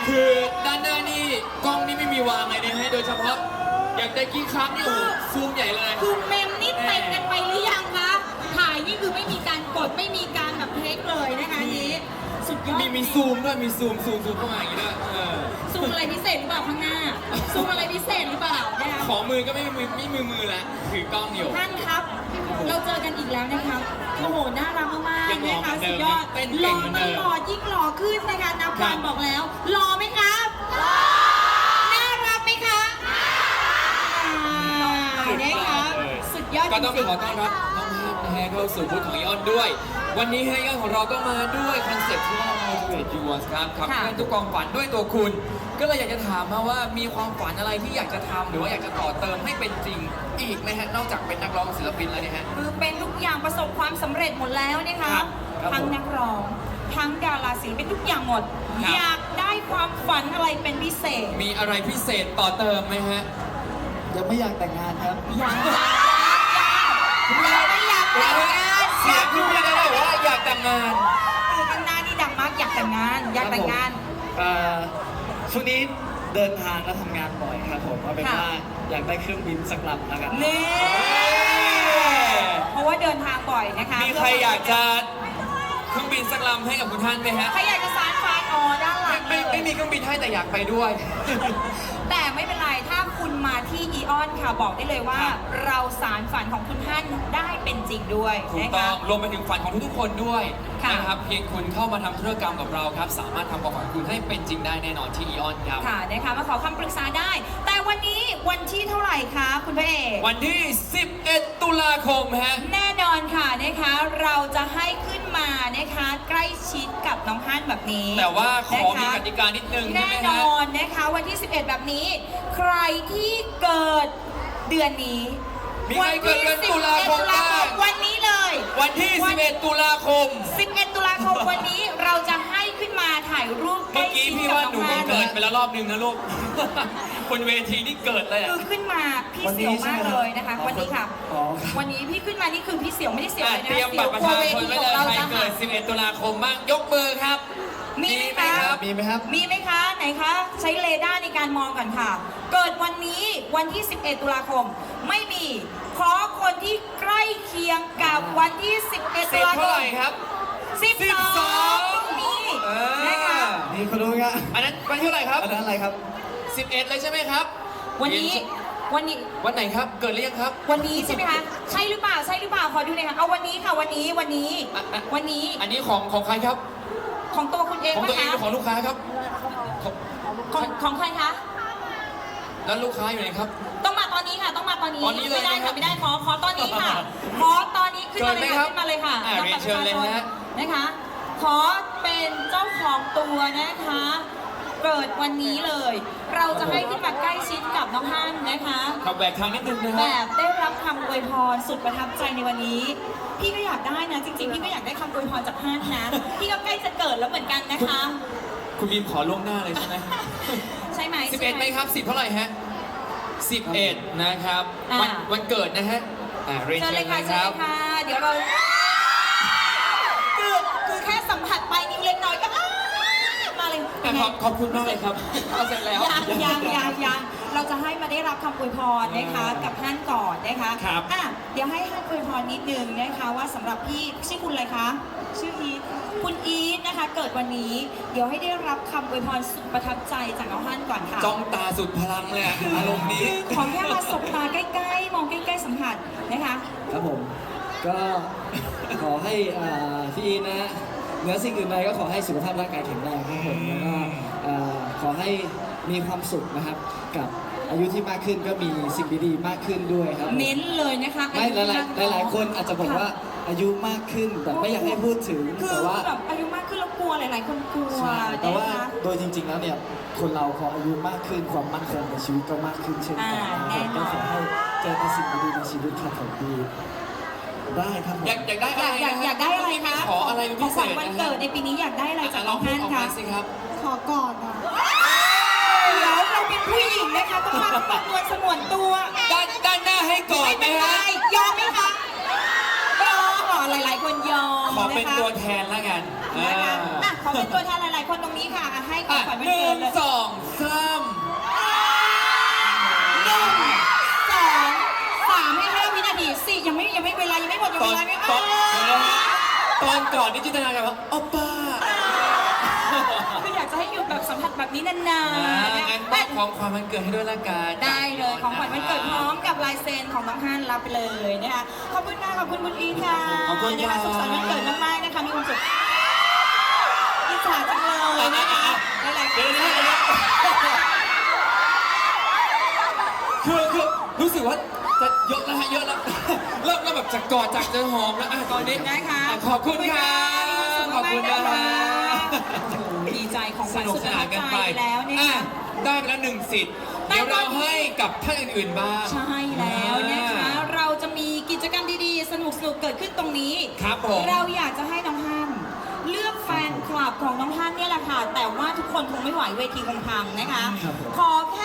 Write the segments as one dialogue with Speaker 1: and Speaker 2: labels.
Speaker 1: คือด้านหน้านี่กล้องนี่ไม่มีวางเลยนะฮะโดยเฉพาะอยากได้กี่ครั้งนี่โอ้โหซูมใหญ่เลย
Speaker 2: คือเมมนี่เต็มกันไปหรือยังคะถ่ายนี่คือไม่มีการกดไม่มีการแบบเทคเลยนะคะอันนี้สุดยอด
Speaker 1: มีซูมด้วยมีซูมเข้ามาอย่างนี้ด้วย
Speaker 2: ซูมอะไรพิเศษหรือเปล่าข้างหน้าซูมอะไรพิเศษหรือเปล่านะคะ
Speaker 1: ของมือก็ไม่มือแล้วถือกล้องอยู่
Speaker 2: ท่านครับ เราเจอกันอีกแล้วนะครับโอ้โหน่ารักมาก
Speaker 1: ยัง
Speaker 2: ๆ
Speaker 1: หล่อ
Speaker 2: นะคะ
Speaker 1: เหมือนเดิ
Speaker 2: สุ
Speaker 1: ม
Speaker 2: ดยอด
Speaker 1: เต้น
Speaker 2: ห
Speaker 1: เก่
Speaker 2: ล่
Speaker 1: ง
Speaker 2: อ
Speaker 1: เหมือน
Speaker 2: ต
Speaker 1: เดิม
Speaker 2: ลอดยิ่งหล่อขึ้นนะคะนับ
Speaker 1: ครั
Speaker 2: วั
Speaker 1: บ
Speaker 2: นบอกแล้วหล่อไหมครับน่ารักไหมคะนะคะสุดยอด
Speaker 1: ก็ต้อง
Speaker 2: จริง
Speaker 1: ขอต้อนรับน้องฮับนะฮะเข้าสู่บูธของอีออนด้วย วันนี้ให้อีออนของเราก็มาด้วยคอนเซ็ปต์ที่ว่า Motivate Yours ครับขับเคลื่อนทุกความฝันด้วยตัวคุณ ก็เลยอยากจะถามมาว่ามีความฝันอะไรที่อยากจะทำหรือว่าอยากจะต่อเติมให้เป็นจริงอีกไหมฮะนอกจากเป็นนักร้องศิลปินแล้วเนี่ยฮะ
Speaker 2: คือเป็นทุกอย่างประสบความสำเร็จหมดแล้วนะคะ
Speaker 1: ครับ
Speaker 2: ทั้งนักร้องทั้งดาราศิลปินทุกอย่างหมด
Speaker 1: ครับ
Speaker 2: อยากได้ความฝันอะไรเป็นพิเศษ
Speaker 1: มีอะไรพิเศษต่อเติมไหมฮะ
Speaker 3: ยังไม่อยากแต่งงานครับ
Speaker 2: อยากไม่อยากแต่งงาน
Speaker 1: เสียงคุณไม่ได้เลยว่าอยากแต่งงาน
Speaker 2: คือข้างหน้านี่ดังมากอยากแต่งงานอยากแต่งงาน
Speaker 3: ช่วงนี้เดินทางและทำงานบ่อยครับผมเอาเป็น
Speaker 2: ค่ะ
Speaker 3: ว่าอยากได้เครื่องบินสักลำแล้วกัน
Speaker 2: นี่เพราะว่าเดินทางบ่อยนะคะ
Speaker 1: มีใครอยากจะเครื่องบินสักลำให้กับคุณท่านไหมฮะ
Speaker 2: ใครอยากจะสานฝันอ๋อด้านหลัง
Speaker 1: ไม่มีเครื่องบินให้แต่อยากไปด้วย
Speaker 2: แต่ไม่เป็นไรถ้าคุณมาที่อีออนค่ะบอกได้เลยว่า
Speaker 1: ครับ
Speaker 2: เราสารฝันของคุณท่านได้เป็นจริงด้วย
Speaker 1: ถูก
Speaker 2: นะ
Speaker 1: ต้อ
Speaker 2: คะ
Speaker 1: งรวมไปถึงฝันของทุกๆคนด้วย
Speaker 2: ค่ะ
Speaker 1: นะครับเพียงคุณเข้ามาทำธุรกรรมกับเราครับ สามารถทำความฝันคุณให้เป็นจริงได้แน่นอนที่อีออนครับ
Speaker 2: ค่ะนะคะมาขอคำปรึกษาได้ แต่วันนี้วันที่เท่าไหร่คะคุณพระเอก
Speaker 1: วันที่ 11 ตุลาคมฮะ
Speaker 2: แน่นอนค่ะนะคะเราจะให้ขึ้นมานะคะใกล้ชิดกับน้องฮั่นแบบนี้
Speaker 1: แต่ว่าขอมี
Speaker 2: นะคะ
Speaker 1: กติกานิดนึงใช่
Speaker 2: แน่
Speaker 1: ไหม
Speaker 2: น
Speaker 1: ฮะ
Speaker 2: อนนะคะวันที่ 11 แบบนี้ ใครที่เกิดเดือนนี้
Speaker 1: มีใครเกิดเดือนตุลาคม
Speaker 2: วันที่11
Speaker 1: บ้าง
Speaker 2: วันนี้เลย
Speaker 1: วันที่ 11 ตุลาคม
Speaker 2: 11 ตุลาคมวันนี้เราจะให้ขึ้นมาถ่ายรูปใก
Speaker 1: เมื่
Speaker 2: ล้
Speaker 1: อกี้
Speaker 2: ชิด
Speaker 1: พี่
Speaker 2: กับ
Speaker 1: ว่า
Speaker 2: น้
Speaker 1: ห
Speaker 2: อ
Speaker 1: นู
Speaker 2: ง
Speaker 1: เพิ่
Speaker 2: ฮั่
Speaker 1: ง
Speaker 2: น
Speaker 1: เกิดไปแล้วรอบนึงนะลูก บนเวทีนี่เกิดเลยอะ
Speaker 2: คือขึ้นมาพี่
Speaker 3: วันนี้
Speaker 2: เสียวมาก
Speaker 3: ใช่ไหม
Speaker 2: เลยนะคะ วันนี้ค่ะ
Speaker 3: อ๋อครับ
Speaker 2: วันนี้พี่ขึ้นมานี่คือพี่เสียวไม่ได้เสียวเลยนะ
Speaker 1: เตรียมบัตรประชาชนไว้เลยใครเกิด 11 ตุลาคมบ้างยกมือครับ
Speaker 2: มีไหมคะ
Speaker 1: ครับ
Speaker 3: มีไหมครับ
Speaker 2: มีไหมคะไหนคะ ใช้เรดาร์ในการมองก่อนค่ะ เกิดวันนี้วันที่ 11 ตุลาคม ไม่มีขอคนที่ใกล้เคียงกับวันที่ 11 ตุลาค
Speaker 1: เท่าม ไหร่ครับ
Speaker 2: 12มีนะคะ
Speaker 3: นี่คุณรู้ไหมครับ
Speaker 1: อันนั้นวันที่เท่าไหร่ครับ
Speaker 3: อันนั้นอะไรครับ
Speaker 1: 11 เลยใช่ไหมครับ
Speaker 2: วันนี้วันนี้
Speaker 1: วันไหนครับ เกิดหรือยังครับ
Speaker 2: วันนี้ใช่ไหมคะ ใช่หรือเปล่าใช่หรือเปล่าขอดูหน่อยค่ะเอาวันนี้ค่ะวันนี้วันนี้ วันนี้
Speaker 1: อันนี้ของใครครับ
Speaker 2: ของตัวคุณเอง
Speaker 1: ของ
Speaker 2: ไหม
Speaker 1: ตัวเอง
Speaker 2: คะ
Speaker 1: หรือของลูกค้าครับ
Speaker 2: ของใครคะ
Speaker 1: แล้วลูกค้าอยู่ไหนครับ
Speaker 2: ต้องมาตอนนี้ค่ะต้องมาตอนนี้
Speaker 1: ตอนนี้เลย
Speaker 2: ไม่ได้
Speaker 1: นะครั
Speaker 2: ค่ะ
Speaker 1: บ
Speaker 2: ไม่ได้ขอตอนนี้ค่ะขอตอนนี้ขึ้นมาเลยค่ะขึ้นมาเลยค่ะ
Speaker 1: เรียนเชิญเลยฮะ ขับแบกทางนิดนึงนะ
Speaker 2: แบ
Speaker 1: ฮะ
Speaker 2: บได้รับคำอวยพรสุดประทับใจในวันนี้ พี่ก็อยากได้นะ จริงๆ พี่ก็อยากได้คำอวยพรจากฮั่นนะ พี่ก็ใกล้จะเกิดแล้วเหมือนกันนะคะ
Speaker 1: คุณบีมขอล่วงหน้าเลยใช่ไหม
Speaker 2: ใช่ไหม
Speaker 1: 11ไหมครับ 10 เท่าไหร่ฮะ 11 นะครับ วันเกิดนะฮะเรียน
Speaker 2: เชิญ
Speaker 1: เชิ
Speaker 2: เล
Speaker 1: ญ
Speaker 2: ย
Speaker 1: เล
Speaker 2: ค่ะ
Speaker 1: ย
Speaker 2: เชิ
Speaker 1: ค
Speaker 2: ญ
Speaker 1: รับ
Speaker 2: เลยค่ะ เดี๋ยวเราคือแค่สัมผัสไปนิ้วเล็กน้อยก็มาเลย
Speaker 1: ขอบคุณมากเลยครับเอาเสร็จแล้ว
Speaker 2: ยังเราจะให้มาได้รับคำอวยพรนะคะกับฮั่นก่อนนะคะ
Speaker 1: ครับ
Speaker 2: อ่ะเดี๋ยวให้ฮั่นอวยพรนิดนึงนะคะว่าสำหรับพี่ชื่อคุณอะไรคะชื่ออีทคุณอีทนะคะเกิดวันนี้ เดี๋ยวให้ได้รับคำอวยพรสุดประทับใจจากน้องฮั่นก่อนค่ะ
Speaker 1: จ้องตาสุดพลังเลยอะอารมณ์นี้
Speaker 2: คือขอแค่มาสบตาใกล้ๆ มองใกล้ๆสัมผัสนะคะ
Speaker 3: ครับผม ก็ขอให้พี่อีทนะเหนือสิ่งอื่นใดก็ขอให้สุขภาพร่างกายแข็งแรงครับผมแล้วก็ขอให้มีความสุขนะครับ กับอายุที่มากขึ้นก็มีสิ่งดีๆมากขึ้นด้วยครับผม
Speaker 2: เน้นเลยนะคะ
Speaker 3: ไม่หลายคนอาจจะบอกว่าอายุมากขึ้นแต่ไม่อยากให้พูดถึง
Speaker 2: คือ
Speaker 3: แต่ว่า
Speaker 2: แบบอายุมากขึ้นแล้วกลัวหลายๆ คนกลัว
Speaker 3: ใช่แต่ว่า
Speaker 2: นะคะ
Speaker 3: โดยจริง ๆ แล้วเนี่ยคนเราพออายุมากขึ้นความมั่นคงในชีวิตก็มากขึ้นเช่นกัน
Speaker 2: แน่น
Speaker 3: ก็
Speaker 2: อน
Speaker 3: ขอให้เจอแต่สิ่งดีๆในชีวิตครับผมดีได้ครับผม
Speaker 1: อยากได้อะไร
Speaker 2: อยากได้อะไรคะ
Speaker 1: ขออะไร
Speaker 2: ข
Speaker 1: พิ
Speaker 2: อง
Speaker 1: เศ
Speaker 2: ขวัญ
Speaker 1: ษ
Speaker 2: วัน
Speaker 1: นะ
Speaker 2: เกิ
Speaker 1: ฮะ
Speaker 2: ดในปีนี้อยากได้อะไรจาก
Speaker 1: ล
Speaker 2: น้
Speaker 1: อ
Speaker 2: อง ง
Speaker 1: พูด
Speaker 2: ฮั่น
Speaker 1: ออก
Speaker 2: คะ
Speaker 1: มาสิครับ
Speaker 4: ขอกอดอ่ะ
Speaker 2: เดี๋ยวเราเป็นผู้หญิงนะคะต้องมาตัวสมวนตัว
Speaker 1: ด้านหน้าให้ก่อน
Speaker 2: ไม่
Speaker 1: ไหม
Speaker 2: เป็นไร
Speaker 1: ฮะ
Speaker 2: ยอมไหมคะยอมหลายๆ คนยอม
Speaker 1: ขอเป็น
Speaker 2: นะคะ
Speaker 1: ตัวแทนแล้วกัน
Speaker 2: นะคะอ่ะขอเป็นตัวแทนหลายๆ คนตรงนี้ค่ะอ่ะให้ของขวัญวันเกิด
Speaker 1: สองสาม
Speaker 2: 3 ให้5 วินาที4ยังไม่เวลายังไม่หมดยัง
Speaker 1: ตอ
Speaker 2: เวน ลาไม่
Speaker 1: ตอนเดี๋ยวนะฮะตอนก่อนนี่จินตนาการว่าอ้อป้า
Speaker 2: คืออยากจะให้หยุดแบบสัมผัสแบบนี้นานๆ
Speaker 1: งั้นมอบของความวันเกิดให้ด้วยละกัน
Speaker 2: ได้เลยของขวัญวันเกิดพร้อมกับลายเซ็นของน้องฮั่นรับไปเลยนะคะขอบคุณค่ะขอบคุณคุณอีทค่ะ
Speaker 1: ขอบคุณ
Speaker 2: นะ
Speaker 1: ค่ะ
Speaker 2: คะสุขสันต์วันเกิดมากๆนะคะมีความสุขอิจฉาจังเลยนะคะหลายๆค
Speaker 1: เดี๋ยวน นะคือรู้สึกว่าจะเยอะแล้วฮะเยอะแล้ว เริ่มแบบจะกอดจากจะหอมแล้วอ่ะตอนนี้
Speaker 2: นะคะ
Speaker 1: ขอบคุณค่ะขอบคุณนะฮะ
Speaker 2: ดีใจของ
Speaker 1: ส
Speaker 2: ขวัญ
Speaker 1: นุก
Speaker 2: สุด
Speaker 1: ส
Speaker 2: ประ
Speaker 1: นา
Speaker 2: ทั
Speaker 1: น
Speaker 2: บ
Speaker 1: กัน
Speaker 2: ใจ
Speaker 1: ไป
Speaker 2: แล้วเนี่ย
Speaker 1: อ่ะ
Speaker 2: ค่ะ
Speaker 1: ได้ไปแล้ว1 สิทธิ์
Speaker 2: ได้
Speaker 1: เดี๋ยวเรา
Speaker 2: ตอนนี้
Speaker 1: ให้กับท่านอื่นๆบ้าง
Speaker 2: ใช่แล้วนะคะ เราจะมีกิจกรรมดีๆ สนุกๆ เกิดขึ้นตรงนี้
Speaker 1: ครับผม
Speaker 2: เราอยากจะให้น้องฮั่นเลือกแฟนคลับของน้องฮั่นเนี่ยแหละค่ะ แต่ว่าทุกคนคงไม่ไหวเวทีคงพังนะคะ
Speaker 3: ครับผม
Speaker 2: ขอแค่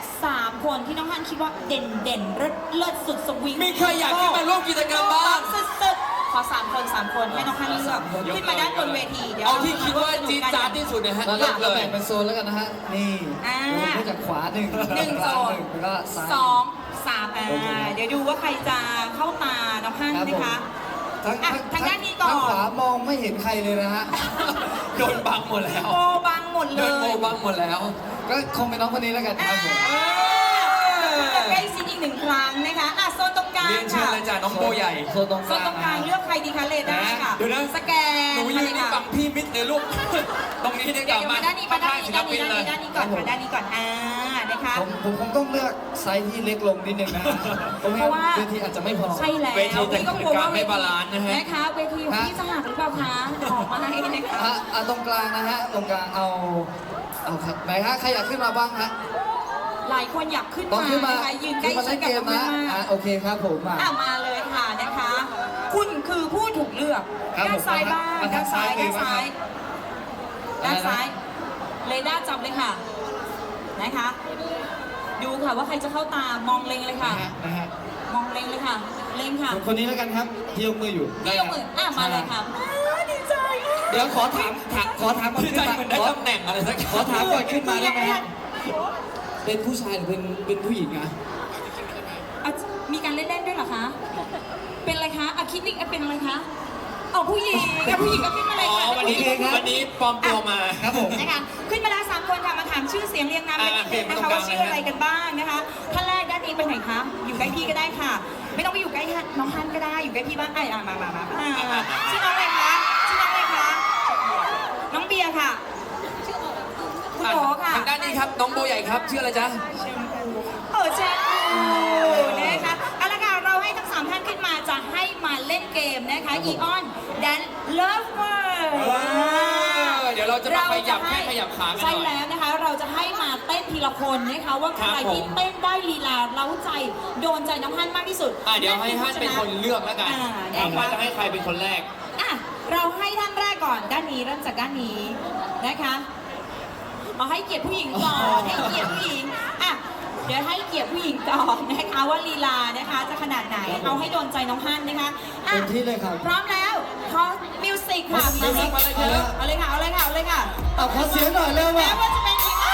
Speaker 2: 3 คนที่น้องฮั่นคิดว่าเด่นๆเลิศสุดสวิง
Speaker 1: มีใครอยากขึ้นมาร่วมกิจกรรมบ้าง
Speaker 2: สุดๆขอ3 คนให้น้องฮั่นเลือกขึ้นมาด้านบนเวทีเดี๋ยว
Speaker 1: เอาที่คิดว่าจี๊ดจ๊าดที่สุดนะฮะ
Speaker 3: เรา
Speaker 1: เลือกเล
Speaker 3: แบ่
Speaker 1: ย
Speaker 3: งเป็นโซนแล้วกันนะฮะ นี่
Speaker 2: อ่า
Speaker 3: เริ่มจากขวาหนึ่ง
Speaker 2: หนึ่ง
Speaker 3: กลาง
Speaker 2: โซน
Speaker 3: หนึ่งแล้วก็ซ้าย
Speaker 2: 2 3
Speaker 3: โอเค
Speaker 2: เดี๋ยวดูว่าใครจะเข้าตาน้องฮั่นนะคะ อ่ะทางด้านนี้ก่อน
Speaker 3: ทางขวามองไม่เห็นใครเลยนะฮะ
Speaker 1: โดนบังหมดแล้ว
Speaker 2: โมบังหมดเล
Speaker 1: โดนโม
Speaker 2: ย
Speaker 1: บังหมดแล้ว
Speaker 3: ก็คงเป็นน้องคนนี้แล้วกันครับผม
Speaker 2: ใกล้ชิดอีก1 ครั้งนะคะอ่ะโซนตรงกลาง
Speaker 1: เรียนเชิญ
Speaker 2: ค่ะ
Speaker 1: เลยจ้ะน้องโบใหญ่
Speaker 3: โซนตรง
Speaker 2: โซ
Speaker 3: ก
Speaker 2: น
Speaker 3: ลาง
Speaker 2: ตรงกลางเลือกใครดีคะเลด้าค่ะ
Speaker 1: เดี๋ยวนะ
Speaker 2: สแกน
Speaker 1: หนูยืนนี่
Speaker 2: มา
Speaker 1: บังพี่มิดเลยลูก ตรงนี้ดีก
Speaker 2: เดี๋ย
Speaker 1: ว่าว
Speaker 2: มาด้านนี้มาด้านนี้
Speaker 1: ข้งๆศิล
Speaker 2: ด้าน
Speaker 1: ปิ
Speaker 2: นี้
Speaker 1: น
Speaker 2: ด้าน
Speaker 1: เลย
Speaker 2: นี้ก่อนมาด้านนี้ก่อนนะคะ
Speaker 3: ผมคงต้องเลือกไซส์ที่เล็กลงนิดนึงนะฮะเพราะ
Speaker 2: เพราะว่า
Speaker 3: ว่าเวทีอาจจะไม่พอ
Speaker 2: ใช่แล้ว
Speaker 1: เวทีจะ
Speaker 2: พี่ก็กลัวว่า
Speaker 1: ไม่บาลานซ์นะฮะ
Speaker 2: นะคะเวทีของพี่จะหักหรือเปล่าคะออกมาให้นะคะ
Speaker 3: อ่ะตรงกลางนะฮะ ตรงกลางเอาครับไหนฮะใครอยากขึ้นมาบ้างฮะ
Speaker 2: หลายคนอยากขึ้น
Speaker 3: ต้อง
Speaker 2: มา
Speaker 3: ขึ้นมา
Speaker 2: นะคะยืนใกล้
Speaker 3: ขึ้นมา
Speaker 2: ชิ
Speaker 3: เล่
Speaker 2: ด
Speaker 3: น
Speaker 2: กับ
Speaker 3: เกม
Speaker 2: น้อง
Speaker 3: นะ
Speaker 2: มาก
Speaker 3: โอเคครับผมมา
Speaker 2: มาเลยค่ะนะคะ คุณคือผู้ถูกเลือก
Speaker 3: ครับ
Speaker 2: ด้านซ้าย
Speaker 3: ผม
Speaker 2: บ้าง
Speaker 3: มา
Speaker 2: ด้า
Speaker 3: ทาน ง
Speaker 2: ซ้าย
Speaker 3: ซ้าย
Speaker 2: ด้านซ้าย
Speaker 3: เลยนะครับ
Speaker 2: ด้านซ้ายเรดาร์จับเลยค่ะนะคะ ดูค่ะว่าใครจะเข้าตามองเล็งเลยค่ะ
Speaker 3: นะฮะ
Speaker 2: มองเล็งเลยค่ะ เล็งค่ะ
Speaker 3: คนนี้แล้วกันครับที่ยกมืออยู่
Speaker 2: พี่ยกมือมาเลยค่ะดีใจ
Speaker 3: เดี๋ยวขอถามก่อน
Speaker 1: พี่
Speaker 3: ขึ้
Speaker 1: ใจ
Speaker 3: นมา
Speaker 1: เหมือนได้ตำแหน่งอะไรสักอย่าง
Speaker 3: ขอถามก่อนขึ้นมาได้ไหมฮะเป็นผู้ชายหรือเป็นผู้หญิงอะ
Speaker 2: อ่ะมีการเล่นๆด้วยเหรอคะ เป็นอะไรคะอะคิดนิกเป็นอะไรคะอ๋อผู้หญิงกับผู้หญิงก็ขึ้นมาเลย
Speaker 1: อ๋อ
Speaker 2: ค่ะ
Speaker 1: วันนี้วันนี้ปลอมตัวมา
Speaker 3: ครับผม
Speaker 2: นะคะขึ้นมาแล้ว3 คนค่ะมาถามชื่อเสียงเรียงนามกันนิดนึงนะคะว่าชื่ออะไรกันบ้างนะคะท่านแรกด้านนี้ไปไหนคะอยู่ใกล้พี่ก็ได้ค่ะ ไม่ต้องไปอยู่ใกล้น้องฮันก็ได้อยู่ใกล้พี่บ้างมาชื่อน้องอะไรคะชื่อน้องอะไรคะน้องเบียร์ค่ะคุณโอค่ะ
Speaker 1: ทางด้านนี้ครับน้องโบใหญ่ครับชื่ออะไรจ๊ะ
Speaker 2: แชมพูนะคะเอาละค่ะเราให้ทั้ง3 ท่านขึ้นมาจะให้มาเล่นเกมนะคะอีออนแดนเลิฟเวอร์
Speaker 1: เดี๋ยวเราจะมาขยับแข้งขยับขากันห
Speaker 2: ใช่
Speaker 1: น่อย
Speaker 2: แล้วนะคะเราจะให้มาเต้นทีละคนนะคะว่าใคร
Speaker 1: ครับผม
Speaker 2: ที่เต้นได้ลีลาเร้าใจโดนใจน้องฮั่นมากที่สุด
Speaker 1: เดี๋ยวให้ฮั่นเป็นคนเลือกแล้วกัน
Speaker 2: ว่า
Speaker 1: ว่าจะให้ใครเป็นคนแรก
Speaker 2: เราให้ท่านแรกก่อนด้านนี้เริ่มจากด้านนี้นะคะเอาให้เกียรติผู้หญิงก่อนให้เกียรติผู้หญิงเดี๋ยวให้เกียรติผู้หญิงก่อนนะคะว่าลีลานะคะจะขนาดไหนเอาให้โดนใจน้องฮั่นนะคะอ่ะ
Speaker 3: เต็มที่เลยครับ
Speaker 2: พร้อมแล้วขอมิวสิกค่ะ
Speaker 1: มิวสิกมาเลยครับ
Speaker 2: เอาเลยค่ะเอาเลยค่ะเอาเลยค่ะ
Speaker 3: เอาขอเสียงหน่อยเร็ว
Speaker 2: แม้
Speaker 3: ว่ะ
Speaker 2: ว่าจะเป็นอีก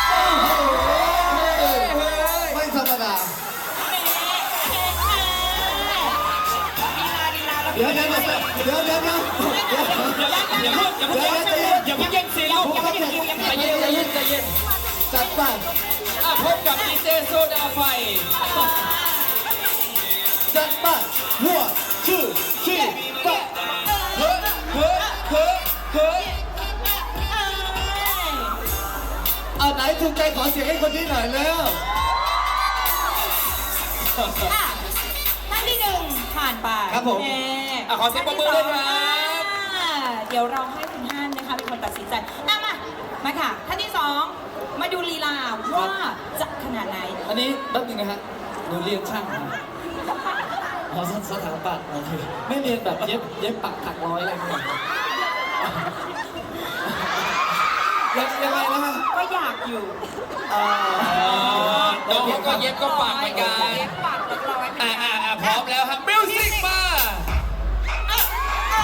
Speaker 3: ไม่ธรรมดา เดี๋ยว
Speaker 1: อย่าเพิ่งอย่าเพิ่งแย่งซีนลูกใจเย็น
Speaker 3: จัดไป
Speaker 1: พบกับดีเจโซดาไฟ
Speaker 3: จัดไปหัวชื่อชี้ปะ
Speaker 1: เฮ้ย
Speaker 3: เอาไหนถูกใจขอเสียงให้คนนี้หน่อยเร็ว
Speaker 2: ท่านที่1ผ่านไป
Speaker 3: ครับผม
Speaker 1: ขอเสียงปรบมือด้วยครับ
Speaker 2: เดี๋ยวเราให้คุณฮั่นนะคะเป็นคนตัดสินใจมาค่ะท่านที่2มาดูลีลาว่าจะขนาดไหน
Speaker 3: อันนี้แป๊บนึงนะฮะหนูเรียนช่างมาอ๋อสถาปัตย์โอเคไม่เรียนแบบเย็บปักถักร้อยอะไรเงี้ยยังไงนะฮะ
Speaker 2: ก็อยากอยู่
Speaker 1: น้องเขาก็เย็บก็ปากเหมือนกัน
Speaker 2: เย็บปากเรียบร้อยเหมือนกัน
Speaker 1: พร้อมแล้วครับมิวสิกมา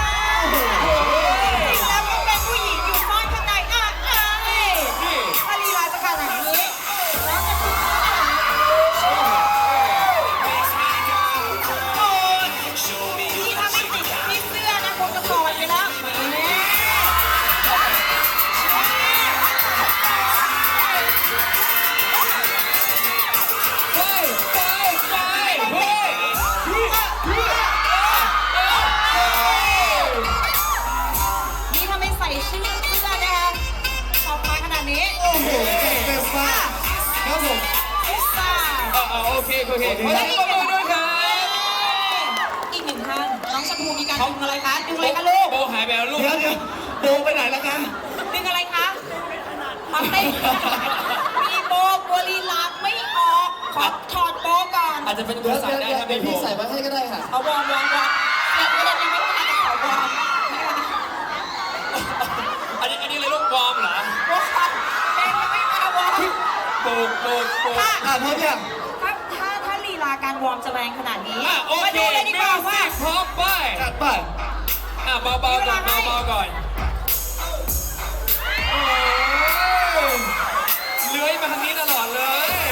Speaker 2: แล้วก็เป็นผู้หญิงอยู่ซ่อนข้างใน
Speaker 1: นี่
Speaker 2: ลี
Speaker 1: โอเคขอเสียงปรบมือด้วยครับ
Speaker 2: อีกหนึ่งท่านน้องชมพูมีการดึงอะไรคะดึงอะไรคะลูก
Speaker 1: โบหายไปแล้วลูก
Speaker 3: เดี๋ยวโบไปไหนแล้วกัน
Speaker 2: ดึงอะไรคะมาเต้นมีโบกวลีลาไม่ออกขอถอดโบก่อน
Speaker 1: อาจจะเป็น
Speaker 3: เดี๋
Speaker 1: ตั
Speaker 3: ยว ว
Speaker 1: สั่งได้ครับ
Speaker 3: เดี๋ยวพี่ใส่มาให้ก็ได้ค่ะ
Speaker 2: เอาวอร์มยังไม่ทันจะขอวอร์มนะคะ
Speaker 1: อันนี้เลยลูกวอร์มเหรอ
Speaker 2: วอร์มเพลงยังไม่มาวอร์ม
Speaker 1: โบก
Speaker 3: พร้อมยัง
Speaker 2: ถ้าลีลาการวอร์มจะแรงขนาดนี้
Speaker 1: โอ
Speaker 2: มา
Speaker 1: เค
Speaker 2: ดูเลยดีกว่าว่า
Speaker 1: พร้อมไป
Speaker 3: จัดไป
Speaker 1: เบาๆก่อนเบาๆก่อนโอ้ยเลื้อยมาทางนี้ตลอดเลย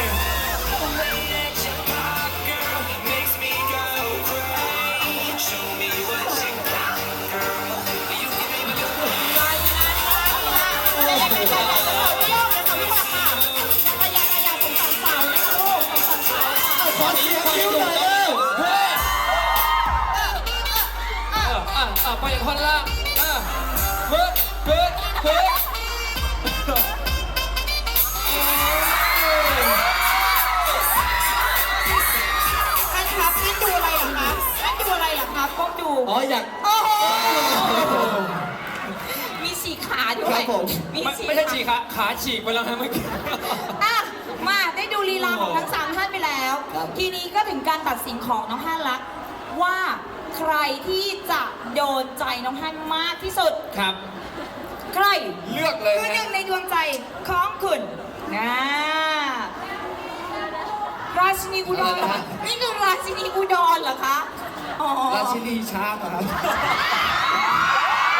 Speaker 3: ขอเสียงคิ้วหน่อยเร็ว
Speaker 1: เฮ้ยไปอีกคนละเฮ้ย
Speaker 2: ท่านครับท่านดูอะไรเหรอครับท่านดูอะไรเหรอครับก้มดู
Speaker 3: อ๋ออยาก
Speaker 2: โอ้โหมีฉีกขาด้ว
Speaker 3: ครั
Speaker 2: ย
Speaker 3: บผม
Speaker 1: ไม่ใช่ฉีกขาฉีกไปแล้วนะเมื่อกี้
Speaker 2: อ่ะมาได้ดูลีลาของทั้งสามท่านไปแล้ว
Speaker 3: ครับ
Speaker 2: ทีนี้ก็ถึงการตัดสินของน้องฮั่นละว่าใครที่จะโดนใจน้องฮั่นมากที่สุด
Speaker 1: ครับ
Speaker 2: ใคร
Speaker 1: เลือกเลย
Speaker 2: คือห
Speaker 1: นะ
Speaker 2: นึ่งในดวงใจของคุณนะราชินีอุดรเหรอคะนี่คือราชินีอุดรเหรอคะอ๋อ
Speaker 3: ราชินีช้างอะครับ
Speaker 1: โอ้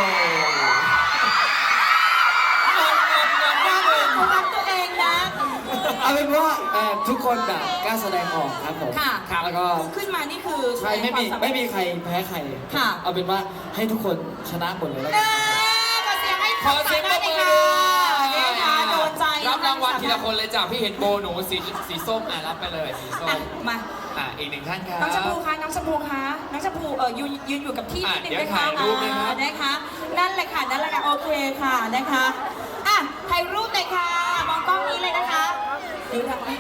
Speaker 2: เขารักตัวเองนะ
Speaker 3: เอาเป็นว่าทุกคนแบบกล้าแสดงออกครับผม
Speaker 2: ค่ะ
Speaker 3: แล้วก็
Speaker 2: ขึ้นมานี่คือ
Speaker 3: ใช่ไม่มี
Speaker 2: แสดงควาสาารถ
Speaker 3: ไม่มีใครแพ้ใคร
Speaker 2: ค่ะ
Speaker 3: เอาเป็นว่าให้ทุกคนชนะหมดเลยแล้ว
Speaker 2: เอ
Speaker 3: กัน
Speaker 2: อขอเสียงให้
Speaker 1: ขอเสียงปรบมือ
Speaker 2: ค่ะนะคะโดนใจ
Speaker 1: รับรางวัลทีละคนเลยจ้ะพี่เห็นโบหนูสีส้มรับไปเลยสีส้
Speaker 2: อ่ะ
Speaker 1: ม
Speaker 2: มา
Speaker 1: อีกหนึ่งท่านครับ
Speaker 2: น้องชมพูคะน้องชมพูคะน้องชมพูยืนอยู่กับที่นิดนึง
Speaker 1: เดี๋ยว
Speaker 2: นะคะ
Speaker 1: ถ่ายรูปนะครับ
Speaker 2: นะคะนั่นแหละค่ะนั่นแหละค่ะโอเคค่ะนะคะอ่ะถ่ายรูปเลยค่ะมองกล้องนี้เลยนะคะดูทางนี้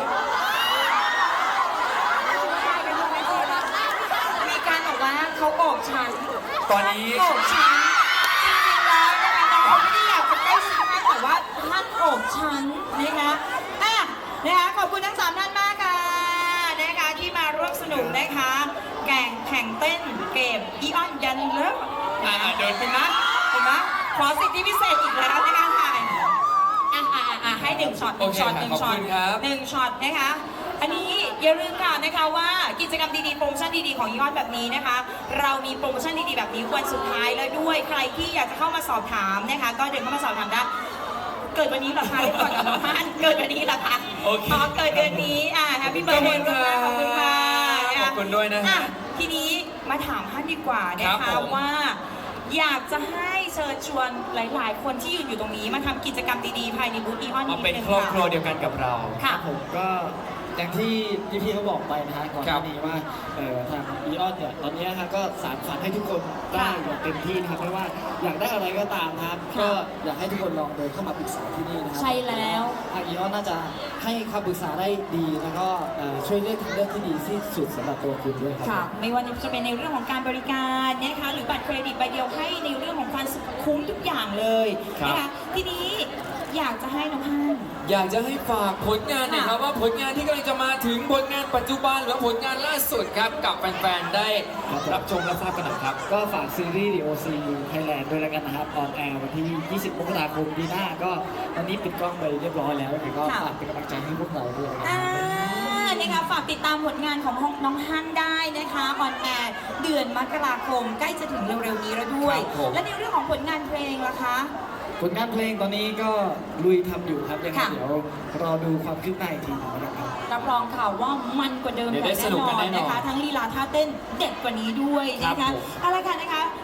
Speaker 2: มีการบอกว่าเขาโอบฉัน
Speaker 1: ตอนนี้
Speaker 2: โอบฉันจริงๆแล้วนะคะน้องเขาไม่ได้อยากจะใกล้ชิดมากแต่ว่าท่านโอบฉันนะคะอ่ะนะคะขอบคุณทั้งสามท่านมากค่ะนะคะที่มาร่วมสนุกนะคะแข่งเต้นเกมอีออนยันเลิฟ
Speaker 1: เดิน
Speaker 2: เห็นไหมเห็นไหมขอสิทธิพิเศษอีกแล้วในการถ่ายให้หนึ่งช็อตหนึ่งช็อตหนึ่งช็อตหนึ่งช็อตนะคะ อันนี้อย่าลืมค่ะนะคะว่ากิจกรรมดีๆโปรโมชั่นดีๆของยอดแบบนี้นะคะ เรามีโปรโมชั่นดีๆแบบนี้วันสุดท้ายแล้วด้วยใครที่อยากจะเข้ามาสอบถามนะคะ ก็เดินเข้ามาสอบถามได้เกิดวันนี้เหรอคะเรียกก่อนกับน้องฮั่นเกิดวันนี้เหรอคะ
Speaker 1: โอเค
Speaker 2: อ๋อเกิดเดือนนี้แฮปปี้เบิร์ดเดย์ขอบคุณค่ะ
Speaker 1: ขอบคุณด้วยนะฮะ
Speaker 2: ทีนี้มาถามฮั่นดีกว่านะ
Speaker 1: ครั
Speaker 2: คะ
Speaker 1: บผม
Speaker 2: ว่า อยากจะให้เชิญชวนหลายๆ คนที่ยืนอยู่ตรงนี้มาทำกิจกรรมดีๆภายในบูธอีออน
Speaker 1: มา
Speaker 2: นิด
Speaker 1: เป็น
Speaker 2: นึง
Speaker 1: ครอบครัว
Speaker 2: ค่ะ
Speaker 1: เดียวกันกับเรา
Speaker 2: ค่ะ
Speaker 3: ผมก็อย่างที่พี่ๆเขาบอกไปนะฮะก่อนห
Speaker 1: ครั
Speaker 3: น้า
Speaker 1: บ
Speaker 3: นี้ว่าทางอีออนเนี่ยตอนนี้นะฮะก็สานฝันให้ทุกคนได้อย่างเต็มที่นะครับไม่ว่าอยากได้อะไรก็ตามนะครับ ก็อยากให้ทุกคนลองเดินเข้ามาปรึกษาที่นี่นะครั
Speaker 2: ใช่แล้ว
Speaker 3: ทางอีออนน่าจะให้คำปรึกษาได้ดีแล้วก็ช่วยเลือกทางเลือกที่ดีที่สุดสำหรับตัวคุณด้วยครั
Speaker 2: ค่ะ ไม่ว่าจะเป็นในเรื่องของการบริการนะคะหรือบัตรเครดิตใบเดียวให้ในเรื่องของความสุขคุ้มทุกอย่างเลย
Speaker 1: ครับ
Speaker 2: นะคะทีนี้อยากจะให้น้องฮั่น
Speaker 1: อยากจะให้ฝากผลงานหนะครับว่าผลงานที่กำลังจะมาถึงผลงานปัจจุบันหรือผลงานล่าสุดครับกับแฟนๆได้รับชมและทราบกันหน่อยครับ
Speaker 3: ก็ฝากซีรีส์ DOC Thailand ด้วยแล้วกันนะครับออนแอร์วันที่ 20 มกราคมปีหน้าก็ตอนนี้ปิดกล้องไปเรียบร้อยแล้วยังไงก็ฝากเป็นกำลังใจให้พวกเราด้วยนะครับ
Speaker 2: นะคะฝากติดตามผลงานของน้องฮั่นได้นะคะออนแอร์เดือนมกราคมใกล้จะถึงเร็วๆนี้แล้วด้วย
Speaker 1: ครับผม
Speaker 2: และในเรื่องของผลงานเพลงล่ะคะ
Speaker 3: ผลงานเพลงตอนนี้ก็ลุยทำอยู่ครับยังไง
Speaker 2: ค่ะ
Speaker 3: เดี๋ยวรอดูความคืบหน้าอีกทีหนึงนะครับ
Speaker 2: รับรองค่ะว่ามันกว่าเดิม
Speaker 1: เดี๋ยวได้
Speaker 2: อย่าง
Speaker 1: สนุกกันแน่นอน
Speaker 2: นะคะ ทั้งลีลาท่าเต้นเด็ดกว่านี้ด้วยนะ
Speaker 1: ครั
Speaker 2: คะ
Speaker 1: บผม
Speaker 2: เอาละค่ะนะคะ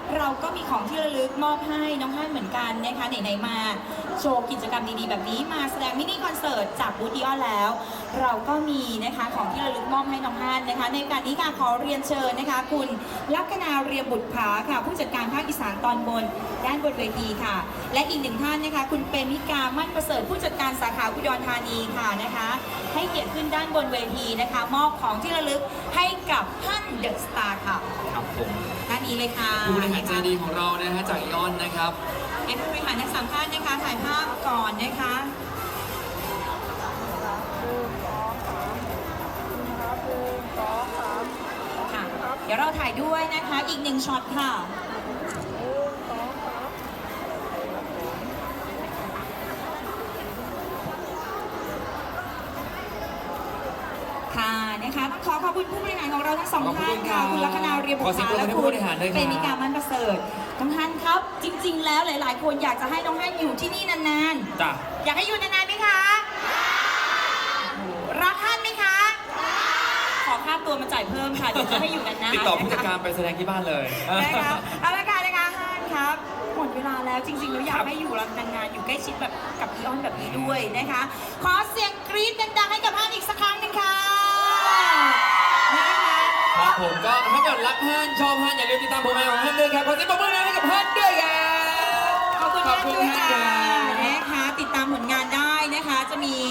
Speaker 2: เราก็มีของที่ระลึกมอบให้น้องฮั่นเหมือนกันนะคะไหนๆมาโชว์กิจกรรมดีๆแบบนี้มาแสดงมินิคอนเสิร์ตจากบูธอีออนแล้ว เราก็มีนะคะของที่ระลึกมอบให้น้องฮั่นนะคะในโอกาสนี้ค่ะขอเรียนเชิญนะคะคุณลัคนาเรียมบุตรผาค่ะผู้จัดการภาคอีสานตอนบนด้านบนเวทีค่ะ และอีกหนึ่งท่านนะคะคุณเปมิกามั่นประเสริฐผู้จัดการสาขาอุดรธานีค่ะนะคะ ให้เกียรติขึ้นด้านบนเวทีนะคะ มอบของที่ระลึกให้กับท่านเดอะสตาร์ค่ะ
Speaker 1: ครับผม
Speaker 2: ท่านนี้เลยค่ะ
Speaker 1: ผู้บริหารใจดีของเรานะฮะจากอีออนนะครับ
Speaker 2: ให้ผู้บริหารทั้งสามท่านนะคะถ่ายภาพก่อนนะคะค่ะเดี๋ยวเราถ่ายด้วยนะคะอีกหนึ่งช็อตค่ะ ค่ะนะคะต้องขอขอบคุณผู้บริหารของเราทั้งสอง
Speaker 1: ขอบคุณ
Speaker 2: ท่านค่ะ
Speaker 1: ครับ
Speaker 2: คุณลัคนาเรียมบุ
Speaker 1: ขอ
Speaker 2: ต
Speaker 1: เสียง
Speaker 2: ร
Speaker 1: ปรบมือ
Speaker 2: และ
Speaker 1: ให้
Speaker 2: คุ
Speaker 1: ผู้
Speaker 2: ณ
Speaker 1: บริหารด้วยครับ
Speaker 2: เปมิกามันประเสริฐน้องฮันครับ จริง ๆ แล้วหลาย ๆ คนอยากจะให้น้องฮันอยู่ที่นี่นาน
Speaker 1: จ้ะ
Speaker 2: ๆ อยากให้อยู่นานๆไหมคะรักฮันไหมคะ ขอค่าตัวมาจ่ายเพิ่มค่ะเดี๋ยวจะให้อยู่นานๆ
Speaker 1: ติดต่อผู้จัด
Speaker 2: นะคะ
Speaker 1: การไปแสดงที่บ้านเลย
Speaker 2: นะคะเอาละค่ะนะคะฮันครับหมดเวลาแล้วจริงๆแล้วอยากให้อยู่นานๆอยู่ใกล้ชิดแบบกับอีออนแบบนี้ด้วยนะคะ ขอเสียงกรี๊ดดังๆให้กับฮันอีกสักครั้งหนึ่งค่ะนะคะ
Speaker 1: ครับผมก็ถ้าเกิดรักฮั่นชอบฮั่นอย่าลืมติดตามผลงานของฮั่นด้วยครับขอเสียงปรบมือให้กับฮั่นด้วยครับ
Speaker 2: ขอบคุณ
Speaker 1: ขอบคุณ
Speaker 2: ด้วย
Speaker 1: ฮั่น
Speaker 2: ค่ะ
Speaker 1: ครับ
Speaker 2: นะคะติดตามผลงานได้นะคะจะมี